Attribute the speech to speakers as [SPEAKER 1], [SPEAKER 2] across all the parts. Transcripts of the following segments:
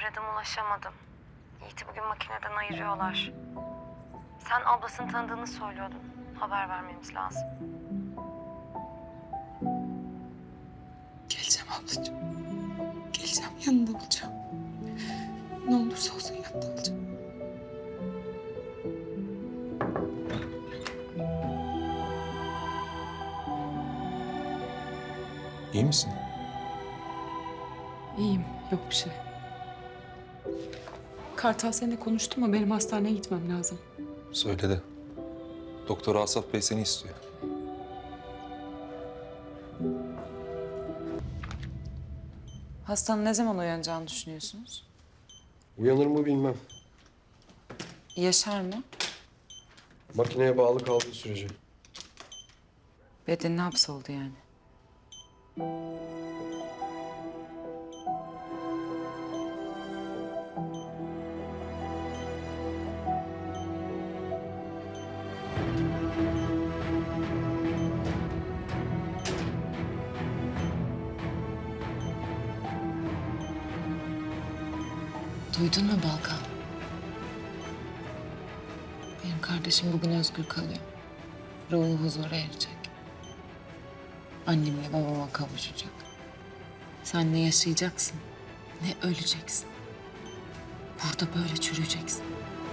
[SPEAKER 1] Aradım ulaşamadım. Yiğit'i bugün makineden ayırıyorlar. Sen ablasını tanıdığını söylüyordun. Haber vermemiz lazım.
[SPEAKER 2] Geleceğim ablacığım. Geleceğim, yanında olacağım. Ne olursa olsun yanında olacağım.
[SPEAKER 3] İyi misin?
[SPEAKER 2] İyiyim, yok bir şey. Kartal seninle konuştu mu? Benim hastaneye gitmem lazım.
[SPEAKER 3] Söyledi. Doktor Asaf Bey seni istiyor.
[SPEAKER 2] Hastanın ne zaman uyanacağını düşünüyorsunuz?
[SPEAKER 4] Uyanır mı bilmem.
[SPEAKER 2] Yaşar mı?
[SPEAKER 4] Makineye bağlı kaldığı sürece.
[SPEAKER 2] Bedenine hapsoldu yani. Duydun mu Balkan? Benim kardeşim bugün özgür kalıyor. Ruhu huzura erecek. Annemle babama kavuşacak. Sen ne yaşayacaksın, ne öleceksin. Burada böyle çürüyeceksin.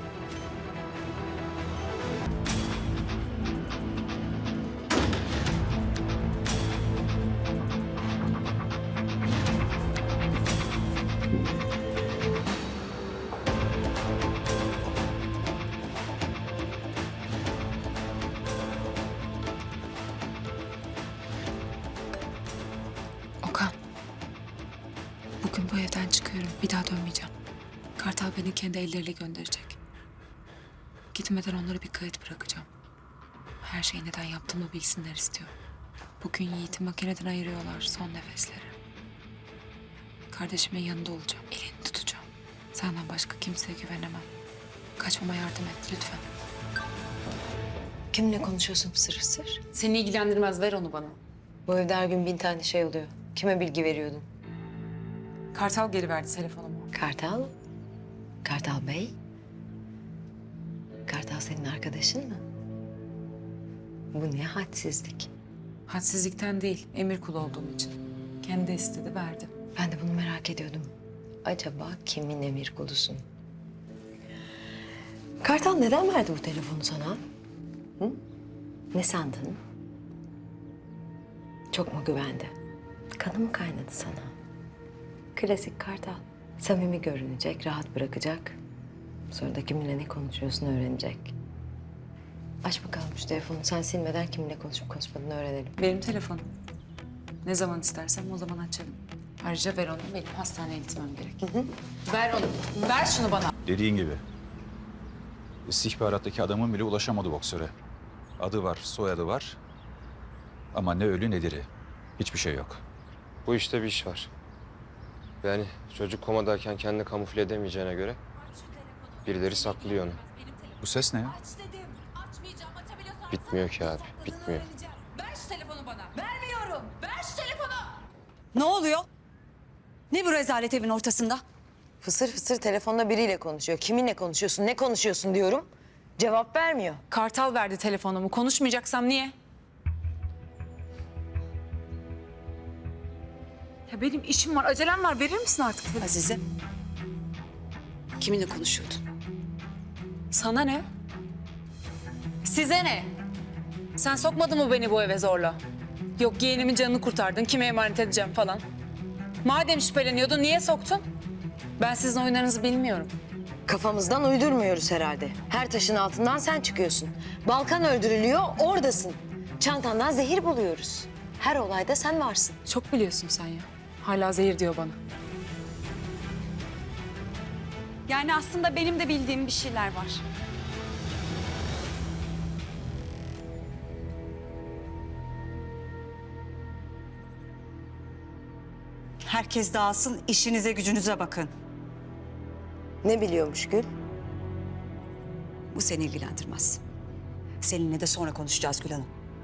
[SPEAKER 2] Okan, bugün bu evden çıkıyorum. Bir daha dönmeyeceğim. Kartal beni kendi elleriyle gönderecek. Gitmeden onlara bir kayıt bırakacağım. Her şeyi neden yaptığımı bilsinler istiyorum. Bugün Yiğit'i makineden ayırıyorlar, son nefesleri. Kardeşimin yanında olacağım, elini tutacağım. Senden başka kimseye güvenemem. Kaçmama yardım et lütfen.
[SPEAKER 5] Kiminle konuşuyorsun fısır fısır?
[SPEAKER 2] Seni ilgilendirmez, ver onu bana.
[SPEAKER 5] Bu evde her gün 1000 tane şey oluyor. Kime bilgi veriyordun?
[SPEAKER 2] Kartal geri verdi telefonumu.
[SPEAKER 5] Kartal? Kartal Bey? Kartal senin arkadaşın mı? Bu ne hadsizlik.
[SPEAKER 2] Hadsizlikten değil, emir kulu olduğum için. Kendi istedi, verdim.
[SPEAKER 5] Ben de bunu merak ediyordum. Acaba kimin emir kulusun? Kartal neden verdi bu telefonu sana? Hı? Ne sandın? Çok mu güvendi? Kanı mı kaynadı sana? Klasik Kartal. Samimi görünecek, rahat bırakacak. Sonra da kiminle ne konuşuyorsun öğrenecek. Aç bakalım şu telefonu. Sen silmeden kiminle konuşup konuşmadığını öğrenelim.
[SPEAKER 2] Benim telefonum. Ne zaman istersem o zaman açarım. Ayrıca ver onu, benim hastaneye gitmem gerek. Ver onu, ver şunu bana.
[SPEAKER 6] Dediğin gibi. İstihbarattaki adamın bile ulaşamadı boksöre. Adı var, soyadı var. Ama ne ölü ne diri. Hiçbir şey yok.
[SPEAKER 4] Bu işte bir iş var. Yani çocuk komadayken kendini kamufle edemeyeceğine göre birileri saklıyor onu.
[SPEAKER 6] Bu ses ne ya?
[SPEAKER 7] Aç dedim. Açmayacağım. Açabiliyorsan
[SPEAKER 4] Bitmiyor ki abi,
[SPEAKER 7] açsana.
[SPEAKER 4] bitmiyor.
[SPEAKER 7] Öğreneceğim. Ver şu telefonu bana. Vermiyorum. Ver şu telefonu.
[SPEAKER 8] Ne oluyor? Ne bu rezalet evin ortasında?
[SPEAKER 5] Fısır fısır telefonda biriyle konuşuyor. Kiminle konuşuyorsun, ne konuşuyorsun diyorum. Cevap vermiyor.
[SPEAKER 2] Kartal verdi telefonumu. Konuşmayacaksam niye? Ya benim işim var, acelem var. Verir misin artık?
[SPEAKER 8] Azize. Kiminle konuşuyordun?
[SPEAKER 2] Sana ne? Size ne? Sen sokmadın mı beni bu eve zorla? Yok yeğenimin canını kurtardın, kime emanet edeceğim falan. Madem şüpheleniyordun, niye soktun? Ben sizin oyunlarınızı bilmiyorum.
[SPEAKER 5] Kafamızdan uydurmuyoruz herhalde. Her taşın altından sen çıkıyorsun. Balkan öldürülüyor, oradasın. Çantandan zehir buluyoruz. Her olayda sen varsın.
[SPEAKER 2] Çok biliyorsun sen ya. Hala zehir diyor bana.
[SPEAKER 8] Yani aslında benim de bildiğim bir şeyler var. Herkes dağılsın, işinize gücünüze bakın.
[SPEAKER 5] Ne biliyormuş Gül?
[SPEAKER 8] Bu seni ilgilendirmez. Seninle de sonra konuşacağız Gül Hanım.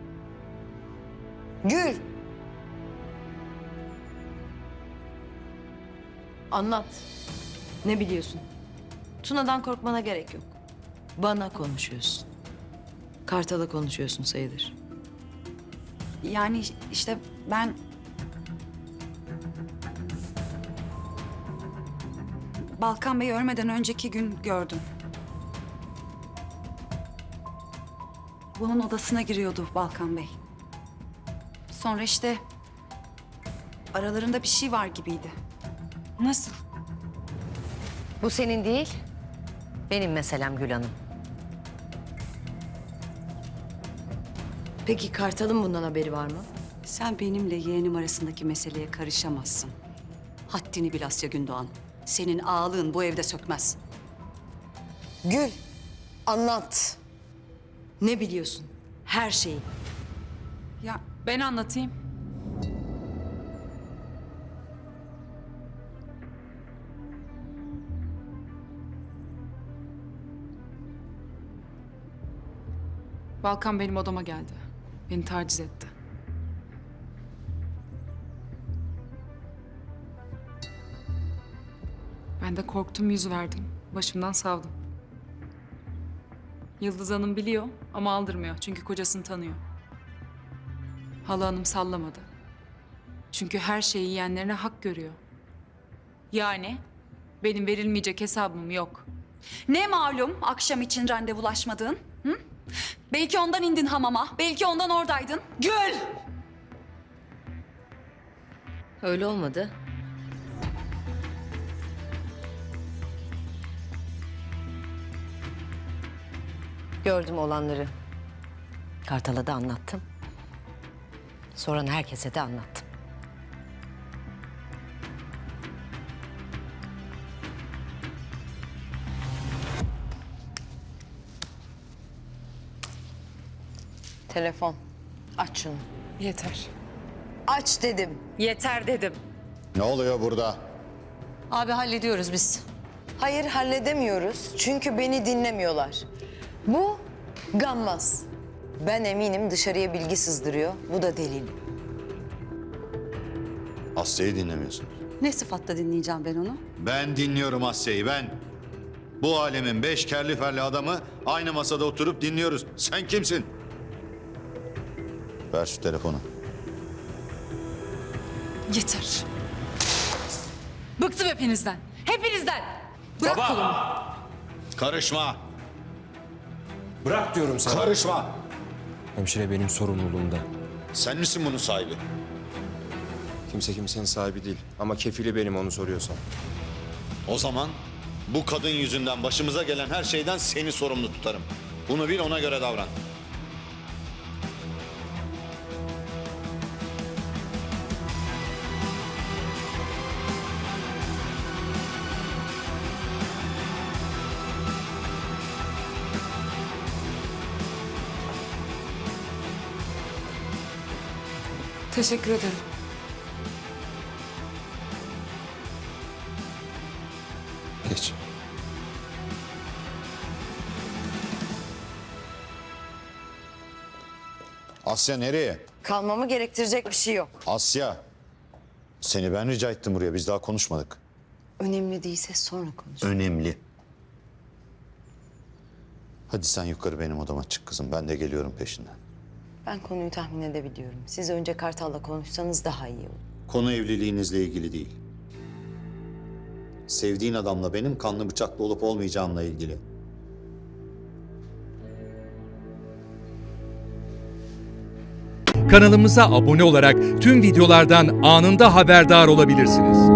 [SPEAKER 5] Gül! Anlat. Ne biliyorsun? Tuna'dan korkmana gerek yok. Bana konuşuyorsun. Kartal'a konuşuyorsun sayılır.
[SPEAKER 8] Yani işte ben... Balkan Bey'i ölmeden önceki gün gördüm. Bunun odasına giriyordu Balkan Bey. Sonra işte aralarında bir şey var gibiydi.
[SPEAKER 2] Nasıl?
[SPEAKER 5] Bu senin değil, benim meselem Gül Hanım. Peki Kartal'ın bundan haberi var mı?
[SPEAKER 8] Sen benimle yeğenim arasındaki meseleye karışamazsın. Haddini bil Asya Gündoğan. Senin ağalığın bu evde sökmez.
[SPEAKER 5] Gül, anlat. Ne biliyorsun? Her şeyi.
[SPEAKER 2] Ya ben anlatayım. Balkan benim odama geldi. Beni taciz etti. Ben de korktum, yüz verdim. Başımdan savdım. Yıldız Hanım biliyor ama aldırmıyor çünkü kocasını tanıyor. Hala Hanım sallamadı. Çünkü her şeyi yiyenlerine hak görüyor. Yani benim verilmeyecek hesabım yok.
[SPEAKER 8] Ne malum akşam için randevulaşmadığın? Hı? Belki ondan indin hamama, belki ondan oradaydın. Gül!
[SPEAKER 5] Öyle olmadı. Gördüm olanları. Kartal'a da anlattım. Soran herkese de anlattım. Telefon. Aç şunu.
[SPEAKER 2] Yeter.
[SPEAKER 5] Aç dedim.
[SPEAKER 2] Yeter dedim.
[SPEAKER 9] Ne oluyor burada?
[SPEAKER 5] Abi hallediyoruz biz. Hayır halledemiyoruz çünkü beni dinlemiyorlar. Bu gammaz. Ben eminim dışarıya bilgi sızdırıyor. Bu da delil.
[SPEAKER 9] Asya'yı dinlemiyorsun.
[SPEAKER 8] Ne sıfatla dinleyeceğim ben onu?
[SPEAKER 9] Ben dinliyorum Asya'yı, ben. Bu alemin 5 kerli ferli adamı aynı masada oturup dinliyoruz. Sen kimsin? Ver şu telefonu.
[SPEAKER 2] Yeter. Bıktım hepinizden. Hepinizden. Bırak kolumu.
[SPEAKER 9] Karışma.
[SPEAKER 4] Bırak diyorum sana.
[SPEAKER 9] Karışma.
[SPEAKER 4] Hemşire benim sorumluluğumda.
[SPEAKER 9] Sen misin bunun sahibi?
[SPEAKER 4] Kimse kimsenin sahibi değil. Ama kefili benim onu soruyorsan.
[SPEAKER 9] O zaman bu kadın yüzünden başımıza gelen her şeyden seni sorumlu tutarım. Bunu bil, ona göre davran.
[SPEAKER 2] Teşekkür ederim.
[SPEAKER 4] Geç.
[SPEAKER 9] Asya nereye?
[SPEAKER 5] Kalmamı gerektirecek bir şey yok.
[SPEAKER 9] Asya. Seni ben rica ettim buraya. Biz daha konuşmadık.
[SPEAKER 5] Önemli değilse sonra konuş.
[SPEAKER 9] Önemli. Hadi sen yukarı benim odama çık kızım. Ben de geliyorum peşinden.
[SPEAKER 5] Ben konuyu tahmin edebiliyorum. Siz önce Kartal'la konuşsanız daha iyi olur.
[SPEAKER 9] Konu evliliğinizle ilgili değil. Sevdiğin adamla benim kanlı bıçaklı olup olmayacağımla ilgili.
[SPEAKER 10] Kanalımıza abone olarak tüm videolardan anında haberdar olabilirsiniz.